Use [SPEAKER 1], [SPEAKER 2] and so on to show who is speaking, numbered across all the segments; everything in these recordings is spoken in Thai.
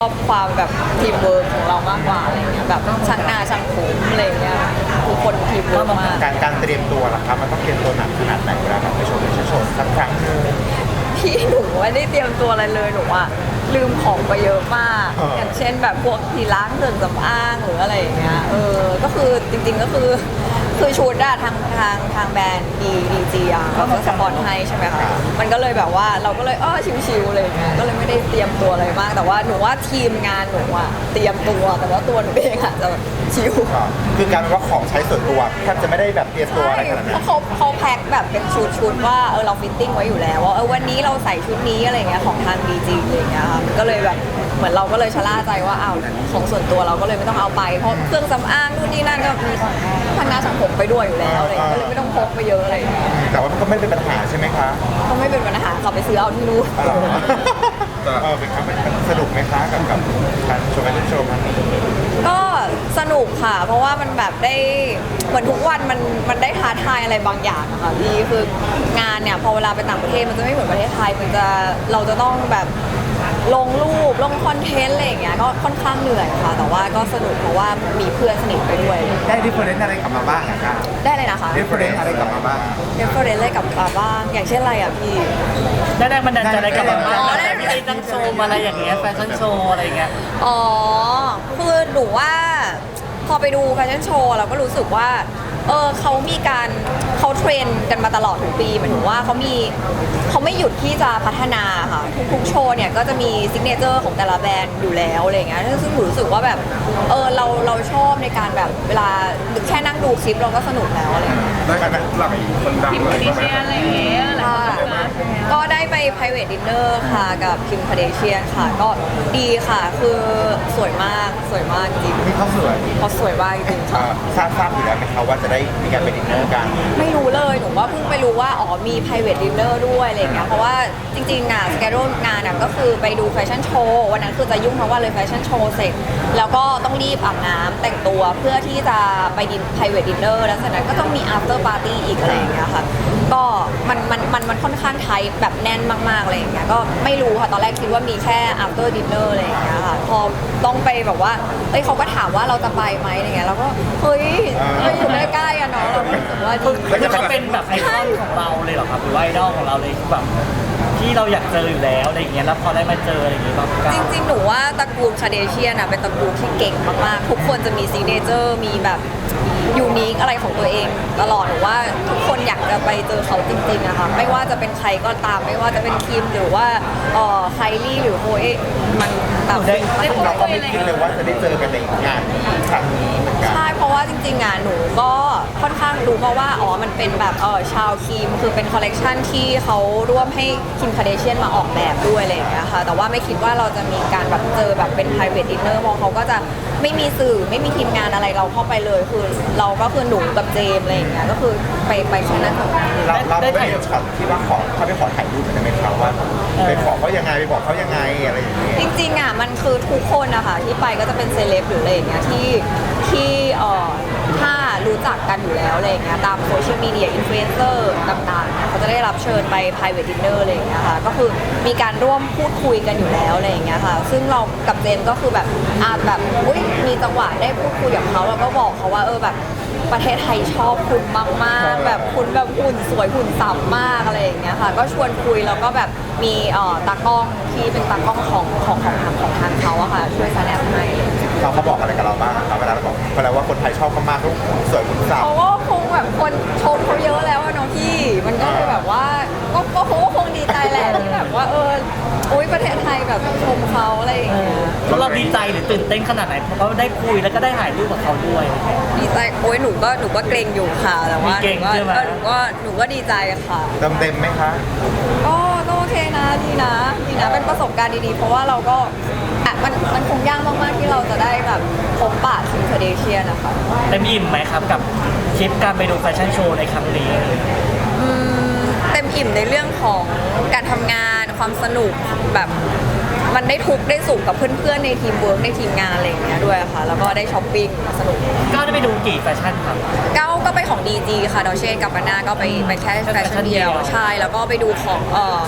[SPEAKER 1] ชอบความแบบทีมเวิร์กของเรามากกว่าอะไรเงี้ยแบบช่างหน้าช่างผมอะไรเงี้ยทุกคนทีมเวิร์กมาก
[SPEAKER 2] การเตรียมตัวล่ะครับมันต้องเตรียมตัวหนักขนาดไหนเวลาแบบไปโชว์สักครั้งหนึง
[SPEAKER 1] พี่หนูไม่ได้เตรียมตัวอะไรเลยหนูอะลืมของไปเยอะมากอย่างเช่นแบบพวกที่ล้างเครื่องสำอางหรืออะไรอย่างเงี้ยก็คือจริงๆก็คือชุดอะทางแบรนด์ดีอะเขาก็สปอนให้ใช่ไหมคะมันก็เลยแบบว่าเราก็เลยชิวๆเลยก็เลยไม่ได้เตรียมตัวอะไรมากแต่ว่าหนูว่าทีมงานหนูอะเตรียมตัวแต่ว่าตัวหนูเองอะจะแบบชิว
[SPEAKER 2] คือการว่าของใช้ส่วนตัวแทบจะไม่ได้แบบเตรียมตัวอะไรขนาดนั้น
[SPEAKER 1] เพราะเขาแพ็คแบบเป็นชุดว่าเราฟิตติ้งไว้อยู่แล้วว่าวันนี้เราใส่ชุดนี้อะไรเงี้ยของทางดีจีอะไรเงี้ยค่ะมันก็เลยแบบเหมือนเราก็เลยชะล่าใจว่าของส่วนตัวเราก็เลยไม่ต้องเอาไปเพราะเครื่องสำอางนู่นนี่นั่นก็มีทางหน้าช่างผมไปด้วยอยู่แล้วอะไรก็เลยไม่ต้องพกไปเยอะอะไรอย่างเงี้ย
[SPEAKER 2] แต่ว่ามันก็ไม่เป็นปัญหาใช่ไหมคะ
[SPEAKER 1] ก็ไม่เป็นปัญหาขับไปซื้อเอาที่นู่น
[SPEAKER 2] เป็นครับมันสนุกไหมคะกับการโชว์แฟชั่นโชว์ครั้งนี้
[SPEAKER 1] ก็สนุกค่ะเพราะว่ามันแบบได้เหมือนทุกวันมันได้ท้าทายอะไรบางอย่างอะค่ะพี่คืองานเนี่ยพอเวลาไปต่างประเทศมันจะไม่เหมือนประเทศไทยเราจะต้องแบบลงรูปลงคอนเทนต์อะไรอย่างเงี้ยก็ค่อนข้างเหนื่อยค่ะแต่ว่าก็สนุกเพราะว่ามีเพื่อนสนิทไปด้วย
[SPEAKER 2] ได้ดิฟเฟอเรนซ์อะไรกลับมาบ้างครับ
[SPEAKER 1] ได้เลยนะคะ
[SPEAKER 2] ดิฟเฟอเรนซ์อะไรกลับมาบ้าง
[SPEAKER 1] ดิฟเฟอเรนซ์อะไรกลับมาบ้างอย่างเช่นอะไรอ่ะพี่
[SPEAKER 3] ได้แรงบันดาลใจอะไรกลับมาบ้างแต่ไม่ได้ตั้งโชว์อะไรอย่างเงี้ยแฟชั่นโชว์อะไรอย่างเงี้ย
[SPEAKER 1] คือหนูว่าพอไปดูแฟชั่นโชว์เราก็รู้สึกว่าเขามีการเขาเทรนกันมาตลอดทุกปีหมายถึงว่าเขาไม่หยุดที่จะพัฒนาค่ะทุกโชว์เนี่ยก็จะมีซิกเนเจอร์ของแต่ละแบรนด์อยู่แล้วอะไรเงี้ยซึ่งหนูรู้สึกว่าแบบเราชอบในการแบบเวลาแค่นั่งดูคลิปเราก็สนุกแล้วอะไรเงี้ย
[SPEAKER 2] ได้ไหมหลักคนดังเลย
[SPEAKER 1] อะไรอย่างเงี้ยก็ได้ไป private dinner ค่ะกับคิมคาเดเชียนค่ะก็ดีค่ะคือสวยมากจริง
[SPEAKER 2] นี่เขาสวย
[SPEAKER 1] มากจริงค่ะ
[SPEAKER 2] ทราบอยู่แล้วไหมคะว่าจะได้มีการไปดินเนอร์กัน
[SPEAKER 1] ไม่รู้เลยหนูว่าเพิ่งไปรู้ว่ามี private dinner ด้วยอะไรอย่างเงี้ยเพราะว่าจริงๆสเกจงานก็คือไปดูแฟชั่นโชว์วันนั้นคือจะยุ่งทั้งวันเลยแฟชั่นโชว์เสร็จแล้วก็ต้องรีบอาบน้ำแต่งตัวเพื่อที่จะไปprivate dinner แล้วจากนั้นก็ต้องมี after party อีกอะไรอย่างเงี้ยค่ะก็มันค่อนข้างไทป์แบบแน่นมากๆอะไรอย่างเงี้ยก็ไม่รู้ค่ะตอนแรกคิดว่ามีแค่ after dinner อะไรอย่างเงี้ยค่ะพอต้องไปแบบว่าเขาก็ถามว่าเราจะไปไหมอะไรเงี้ยแล้วก็เฮ้ยอยู่ใกล้ๆอะเนาะเรารู้สึกว่าดี
[SPEAKER 3] คือเขาเป็นแบบไอดอลของเราเลยเหรอครับหรือว่าไอดอลของเราเลยแบบที่เราอยากเจออยู่แล้วอะไรอย่างเงี้ยแล้วพอได้มาเจออะไรอย่างเงี้ย
[SPEAKER 1] จริงๆหนูว่าตระกูลคาเดเชียนเป็นตระกูลที่เก่งมากๆทุกคนจะมีซิกเนเจอร์มีแบบยูนิคอะไรของตัวเองตลอดหนูว่าทุกคนอยากจะไปเจอเขาจริงๆอะค่ะไม่ว่าจะเป็นใครก็ตามไม่ว่าจะเป็นคิมหรือว่าไคลี่หรือโฮเอมันแบบ
[SPEAKER 2] เราก็ไม่คิดเลยว่าจะได้เจอกันในงานครั้งนี้เหมือนกัน
[SPEAKER 1] ใช่เพราะว่าจริงๆหนูก็ค่อนข้างรู้มาว่ามันเป็นแบบชาวคิมคือเป็นคอลเลกชันที่เขาร่วมให้คิมคาเดเชียนมาออกแบบด้วยอะไรอย่างเงี้ยค่ะแต่ว่าไม่คิดว่าเราจะมีการแบบเจอแบบเป็น private dinner มองเขาก็จะไม่มีสื่อไม่มีทีมงานอะไรเราเข้าไปเลยคือเราก็คือหนูกับเจมอะไรอย่างเงี้ยก็คือไปแค่นั้น
[SPEAKER 2] เราได้ถ่ายช็อตที่ว่าเขาไปขอถ่ายรูปกันได้ไหมครับว่าไปขอเขายังไงไปบอกเขายังไงอะไรอย่างเงี้ย
[SPEAKER 1] จริงๆมันคือทุกคนนะคะที่ไปก็จะเป็นเซเลบหรืออะไรอย่างเงี้ยที่ถ้ารู้จักกันอยู่แล้วอะไรอย่างเงี้ยตามโซเชียลมีเดียอินฟลูเอนเซอร์ต่างๆเขาจะได้รับเชิญไป private dinner อะไรอย่างเงี้ยค่ะก็คือมีการร่วมพูดคุยกันอยู่แล้วอะไรอย่างเงี้ยค่ะซึ่งเรากับเจมก็คือแบบแบบมีจังหวะได้พูดคุยกับเขาแล้วก็บอกเขาว่าแบบประเทศไทยชอบคุณมากๆแบบคุณแบบหุ่นสวยหุ่นสับมากอะไรอย่างเงี้ยค่ะก็ชวนคุยแล้วก็แบบมีตากล้องที่เป็นตากล้องของทางเขาอะค่ะช่วยแสดงให้
[SPEAKER 2] เขาบอกอะไรกับเราบ้างเวลาเราบอกเวลาว่าคนไทยชอบเขามากทุกสวยหุ่นสับ
[SPEAKER 1] เขาก็คงแบบคนชมเขาเยอะแล้วอะเนาะพี่มันก็เลยแบบว่าก็คงดีใจแหละที่แบบว่าประเทศไทยแบบชมเขาอะไรอย่างเงี้ย
[SPEAKER 3] เราดีใจหรือตื่นเต้นขนาดไหนเพราะเราได้คุยแล้วก็ได้ถ่ายรูปกับเขาด้วย
[SPEAKER 1] ดีใจหนูก็เกรงอยู่ค่ะแต่ว่าหนูก็ดีใจค่ะ
[SPEAKER 2] เต็มไหมคะ
[SPEAKER 1] ก็โอเคนะดีนะเป็นประสบการณ์ดีๆเพราะว่าเราก็มันคงยากมากๆที่เราจะได้แบบพบปะคิมคาเดเชียนนะคะ
[SPEAKER 3] เต็มอิ่มไหมครับกับทริปการไปดูแฟชั่นโชว์ในครั้งนี้
[SPEAKER 1] เต็มอิ่มในเรื่องของการทำงานความสนุกแบบมันได้ทุกได้สุขกับเพื่อนๆในทีมเวิร์กในทีมงานอะไรอย่างเงี้ยด้วยค่ะแล้วก็ได้ช้อปปิ้งสนุก
[SPEAKER 3] ก็ได้ไปดูกี่แฟชั่นครับ
[SPEAKER 1] ก็ไปของ DG ค่ะดอเช่กับปาน่าก็ไปแค่แฟชั่นเดียวใช่แล้วก็ไปดูของ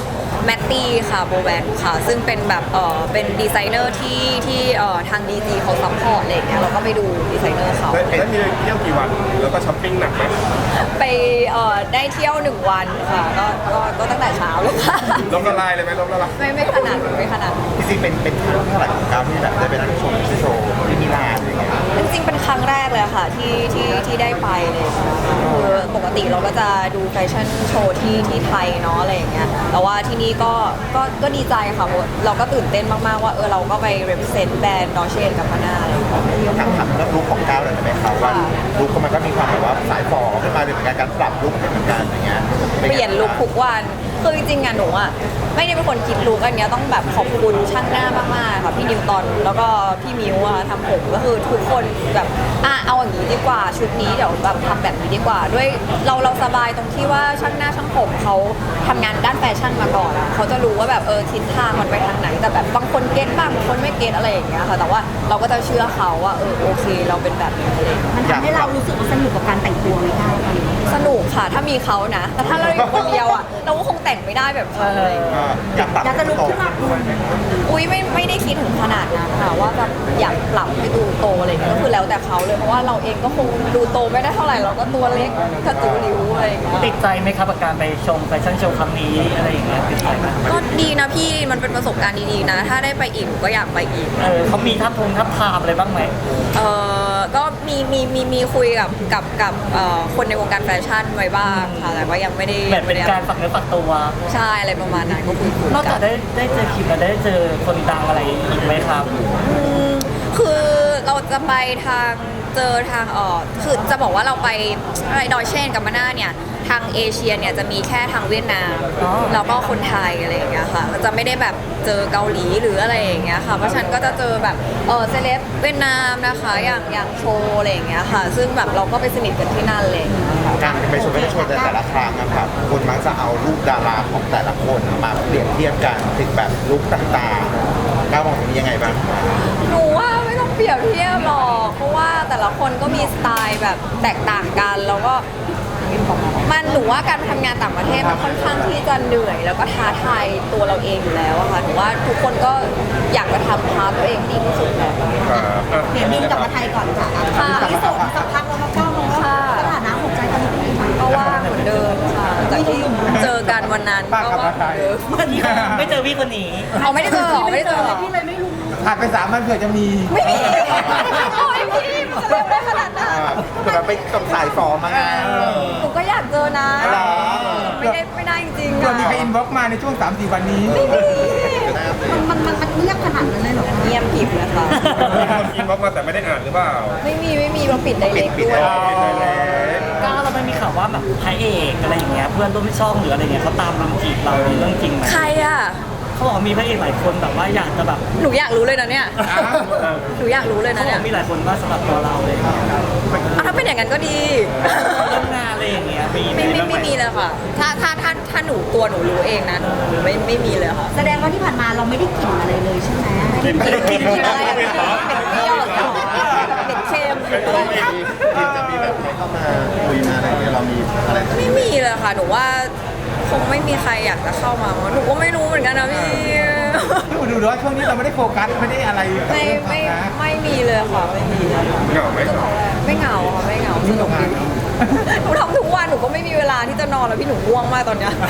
[SPEAKER 1] แมตตี้ค่ะโบแวนค่ะซึ่งเป็นแบบเป็นดีไซเนอร์ที่ทางดีจีเขาซัพพอร์ตอะไรอย่างเงี้ยเราก็ไปดูดีไซเนอร์เขา
[SPEAKER 4] แล้วมีเที่ยวกี่วันแล้วก็ช้อปปิ้งหนักไหม
[SPEAKER 1] ไปได้เที่ยว1 วันค่ะก็ตั้งแต่เช้าเลยค่ะ
[SPEAKER 4] ล้มละลายเลยไหมล้มละลาย
[SPEAKER 1] ไม่ขนาดนั้นไม่ขนาดนั้น
[SPEAKER 2] จริงๆเป็นครั้งเท่าไหร่ของก้าวที่แบบได้ไปนั่งชมโชว์ที่มิลานอะไรเงี้ย
[SPEAKER 1] จริงๆเป็นครั้งแรกเลยค่ะที่ได้ไปเลยค่ะคือปกติเราก็จะดูแฟชั่นโชว์ที่ไทยเนาะอะไรอย่างเงี้ยแต่ว่าที่นี่ก็ดีใจค่ะเพราะเราก็ตื่นเต้นมากๆว่าเราก็ไป represent แบรนด์ดอเชนกับพาน่าอะไรอย่างเงี้ย
[SPEAKER 2] ถามเรื่องลุคของก้าวหน่อยได้ไหมครับว่าลุคมันก็มีความแบบว่าสายฟอขึ้นมาเลยเหมือนกันการปรับลุคเหมือนกันอย่างเงี้ย
[SPEAKER 1] เปลี่ยนลุคทุกวันคือจริงๆอะหนูอะไม่ได้เป็นคนคิดลุคอันเนี้ยต้องแบบขอบคุณช่างหน้ามากๆค่ะพี่นิวตอนแล้วก็พี่มิวอะทำผมก็คือทุกคนแบบเอาอย่างนี้ดีกว่าชุดนี้เดี๋ยวแบบทำแบบนี้ดีกว่าด้วยเราสบายตรงที่ว่าช่างหน้าช่างผมเขาทำงานด้านแฟชั่นมาก่อนอะเขาจะรู้ว่าแบบทิศทางมันไปทางไหนแต่แบบบางคนเก็ตบ้างบางคนไม่เก็ตอะไรอย่างเงี้ยค่ะแต่ว่าเราก็จะเชื่อเขาว่าโอเคเราเป็นแบบนี้อะไรอย่างเงี้ย
[SPEAKER 5] มันทำให้เรารู้สึกว่าสนุกกับการแต่งตัวไหมคะ
[SPEAKER 1] สนุกค่ะถ้ามีเขานะ แต่ถ้าเราอยู่คนเดียวอ่ะ เราก็คงแต่งไม่ได้แบบเขาเลย
[SPEAKER 2] อยากปรับ
[SPEAKER 5] อยากจะลุกขึ้นมาคุณ
[SPEAKER 1] อุ้ยไม่ได้คิดถึงขนาดนั้นค่ะว่าแบบอยากปรับให้ดูโตอะไรอย่างเงี้ยก็คือแล้วแต่เขาเลยเพราะว่าเราเองก็คงดูโตไม่ได้เท่าไหร่เราก็ตัวเล็กกระตูริ้วอะไรอย่างเงี้ย
[SPEAKER 3] ติดใจไหมครับกับการไปชมแฟชั่นโชว์ครั้งนี้อะไรอย่างเงี้ยติดใจไหม
[SPEAKER 1] ก็ดีนะพี่มันเป็นประสบการณ์ดีๆนะ ถ้าได้ไปอีกก็อยากไปอีก
[SPEAKER 3] เขามีทับทามอะไรบ้างไหม
[SPEAKER 1] ก็มีคุยกับคนในวงการแฟชั่นไว้บ้างค่ะแต่ว่ายังไม่ได้
[SPEAKER 3] แบบเป็นการฝักเนื้อฝักตัว
[SPEAKER 1] ใช่อะไรประมาณนั้นก็คุย
[SPEAKER 3] นอก
[SPEAKER 1] กั
[SPEAKER 3] จาก
[SPEAKER 1] น
[SPEAKER 3] ได้เจอคิมแล้วได้เจอคนดังอะไรอีกไหมครับ
[SPEAKER 1] คือเราจะไปทางเจอทางคือจะบอกว่าเราไปอะไรดอยเช่นกับมาน่าเนี่ยทางเอเชียเนี่ยจะมีแค่ทางเวียดนาม
[SPEAKER 3] อ๋อ
[SPEAKER 1] แล้วก็คนไทยอะไรอย่างเงี้ยค่ะจะไม่ได้แบบเจอเกาหลีหรืออะไรอย่างเงี้ยค่ะเพราะฉะนันก็จะเจอแบบเซเลบเวียดนามนะคะอย่างโชว์อะไรอย่างเงี้ยค่ะ ซึ่งแบบเราก็ไปสนิทกันที่นั่นเลย
[SPEAKER 2] การไปชมโชว์แต่ละครั้งนะครับคนมักจะเอารูปดาราของแต่ละคนมาเปรียบเทียบกันถึงแบบลุคต่างๆก้าวมองตรงนี้ยังไงบ้าง
[SPEAKER 1] หนูว่าไม่ต้องเปรียบเทียบหรอกเพราะว่าแต่ละคนก็มีสไตล์แบบแตกต่างกันแล้วก็มันหนูว่าการไปทำงานต่างประเทศมันค่อนข้างที่จะเหนื่อย แล้วก็ท้าทายตัวเราเองอยู่แล้วอะค่ะหนูว่าทุกคนก็อยากจะทำพาร์ทตัวเองให้ดีที่สุดแหละ
[SPEAKER 5] เดี๋ยวบินกลับมาไทยก่อนค่ะ
[SPEAKER 1] ค่ะ
[SPEAKER 5] ที่ส่งสักพักแล้วก็ก้าวลงว่าสถานะหัวใจตอนนี้เป็นยังไง
[SPEAKER 1] ก็ว่างเหมือนเดิมค่ะจากที่เจอกันวันนั้นก็ว่างเหมือนเดิม
[SPEAKER 3] ไม่เจอพี่คนนี้
[SPEAKER 1] เอาไม่ได้เจอเหรอไม่ได้เจอเหรอ
[SPEAKER 5] พี่เลยไม่รู้
[SPEAKER 2] ผ่านไป3 วันเผื่อจะมี
[SPEAKER 1] ไม่มีโอ้ยพี่มันจะเร็วได้ขนาดนั้น
[SPEAKER 2] เผื่อไปส่งสายฟอมาไง
[SPEAKER 1] หนูก็อยากเจอนะ
[SPEAKER 2] เหรอ
[SPEAKER 1] ไม่ได้จริงๆ
[SPEAKER 6] เผื่อ
[SPEAKER 1] อะ
[SPEAKER 6] มีใครอินบ็อกซ์มาในช่วง 3-4 วันนี้
[SPEAKER 5] มันเงียบขนาดนั้นเลยเหรอ
[SPEAKER 1] เงียบผิดนะคะ
[SPEAKER 4] มีคนอินบ็อกซ์มาแต่ไม่ได้อ่านหรือเปล่า
[SPEAKER 1] ไม่มีเราปิดไดเรกด้วย
[SPEAKER 3] ก้าวเราไม่มีข่าวว่าแบบพระเอกอะไรอย่างเงี้ยเพื่อนร่วมช่องหรืออะไรเงี้ยเขาตามรุมจีบเราเรื่องจริงไหม
[SPEAKER 1] ใครอ่ะ
[SPEAKER 3] เขาบอกว่ามีพระเอกหลายคนแบบว่าอยากจะแบบ
[SPEAKER 1] หนูอยากรู้เลยนะเนี่ยหนูอยากรู้เลย
[SPEAKER 3] เขา
[SPEAKER 1] นะ
[SPEAKER 3] บอ
[SPEAKER 1] เนี่
[SPEAKER 3] ก
[SPEAKER 1] ย
[SPEAKER 3] มีหลายคนว่าสำหรับตัวเราเลย
[SPEAKER 1] ถ้าเป็นอย่างนั้นก็ดี
[SPEAKER 3] เรื่องงานอะไรอย่างเงี้ยมี
[SPEAKER 1] ไม่มีเลยค่ะ ถ้าหนูตัวหนูรู้เองนะหนูไม่มีเลยค่ะ
[SPEAKER 5] แสดงว่าที่ผ่านมาเราไม่ได้กลิ่นอะไรเลยใช่ไหม
[SPEAKER 1] กินอะไรอะเป็ดเปรี้ยวเหรอเป็ดเค็ม
[SPEAKER 2] ทีมจะมีแบบใครเข้ามาคุยมาอะไรเงี้ยเรามีอะไร
[SPEAKER 1] ไม่มีเลยค่ะหนูว่าคงไม่มีใครอยากจะเข้ามาหนูก็ไม่รู้เหมือนกันนะพี่
[SPEAKER 6] ดูว่าช่วงนี้เราไม่ได้โฟกัสไม่ได้อะไรกับ
[SPEAKER 1] ไม่
[SPEAKER 6] เรื่องความ
[SPEAKER 1] ไม่
[SPEAKER 6] รัก
[SPEAKER 1] ไม่มีเลยค่ะไม่มีเลยค่ะ
[SPEAKER 4] เหงาไหม
[SPEAKER 1] ไม่เหงาค่ะไม่เหงาสนุกดีหนูทำทุกวันหนูก็ไม่มีเวลาที่จะนอนแล้วพี่หนูง่วงมากตอนเนี้ย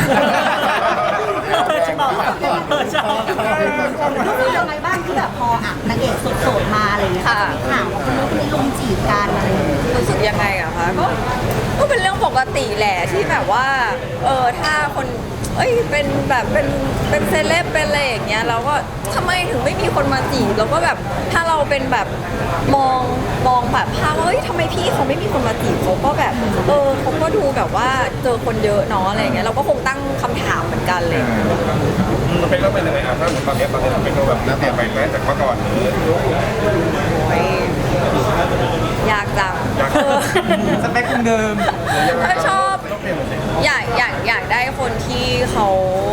[SPEAKER 3] ชอบ
[SPEAKER 5] รู้สึกยังไงบ้างที่แบบพอนางเอกโสดๆมาอะไรอย่างเงี้ย
[SPEAKER 1] ค่ะ
[SPEAKER 5] มีข่าวว่าคนนู้นคนนี้ลุมจีบกันอะไรอย่างเงี้ย
[SPEAKER 1] รู้สึกยังไงอะคะก็เป็นเรื่องปกติแหละที่แบบว่าถ้าคนเป็นแบบเป็นเซเลบเป็นอะไรอย่างเงี้ยเราก็ทำไมถึงไม่มีคนมาจีบเราก็แบบถ้าเราเป็นแบบมองแบบภาพว่าทำไมพี่เขาไม่มีคนมาจีบเขาก็แบบเขาก็ดูแบบว่าเจอคนเยอะเนาะอะไรอย่างเงี้ยเราก็คงตั้งคำถามเหมือนกันเลย
[SPEAKER 4] มันเป็นเรื่องเป็นยังไงอ่ะถ้าเหมือนตอนนี้มันเป็นแบบน่าเปลี่ยนไปไหมจากเมื่อก่อนหรือ
[SPEAKER 1] โอ้ยยากจัง
[SPEAKER 6] สเปคคงเดิม
[SPEAKER 1] ถ้าชอบอยากได้คนที่เขา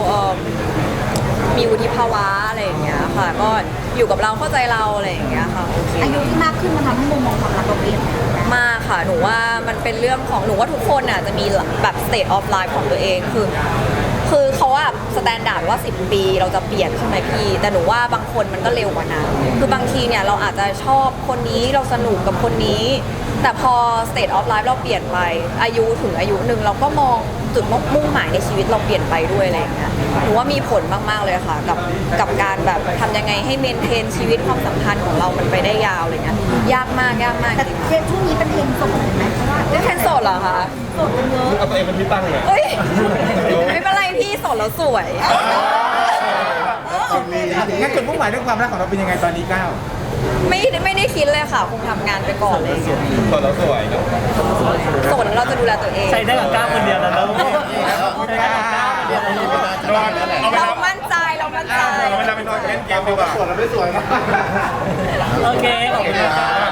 [SPEAKER 1] มีวุฒิภาวะอะไรอย่างเงี้ยค่ะ ก็อยู่กับเราเข้าใจเราอะไรอย่างเงี้ยค่ะโอเค
[SPEAKER 5] อายุที่มากขึ้นมันทำให้มุมมองความรักเราเปลี่ยนไปไหม
[SPEAKER 1] มากค่ะหนูว่ามันเป็นเรื่องของหนูว่าทุกคนอ่ะจะมีแบบ state of life ของตัวเองคือคือเขาอะสแตนดาร์ดว่า10 ปีเราจะเปลี่ยนใช่ไหมพี่แต่หนูว่าบางคนมันก็เร็วกว่านั้นคือบางทีเนี่ยเราอาจจะชอบคนนี้เราสนุกกับคนนี้ แต่พอ state of life เราเปลี่ยนไปอายุถึงอายุหนึ่งเราก็มองจุดมุ่งหมายในชีวิตเราเปลี่ยนไปด้วยอะไรอย่างเงี้ยหนูว่ามีผลมากๆเลยค่ะกับการแบบทำยังไงให้เมนเทนชีวิตความสัมพันธ์ของเรามันไปได้ยาวอะไรเงี้ยยากมาก
[SPEAKER 5] แต่
[SPEAKER 1] จริง
[SPEAKER 5] เทรนด์ช่วงนี้เป็นเทรนด์โสดไหมเพราะว่า
[SPEAKER 1] ๆได้แค่โสดเหรอคะ
[SPEAKER 5] โสดกันเยอะ
[SPEAKER 4] เอาตัวเองเป็นที่ตั้งเลย
[SPEAKER 1] เอ้ยไม่เป็นไรพี่โสดแล้วสวย
[SPEAKER 6] งั้นจุดมุ่งหมายเรื่องความรักของเราเป็นยังไงตอนนี้ก้าว
[SPEAKER 1] ไม่ได้คิดเลยค่ะคงทำงานไปก่อนเลย
[SPEAKER 4] ตอนเราสวยเนาะ
[SPEAKER 1] โสดแล้วเราจะดูแลตัวเอง
[SPEAKER 3] ใช้ได้กับก้าวคนเดียวแล้วนะลูกใช้ได้กับก้าวคนเดียวแล้วลูก
[SPEAKER 1] เรามั่นใจ
[SPEAKER 4] เวลาไปนอนเล่นเกมดีกว่า
[SPEAKER 6] สวยเราไม่สวยนะ
[SPEAKER 3] โอเคขอบคุณครับ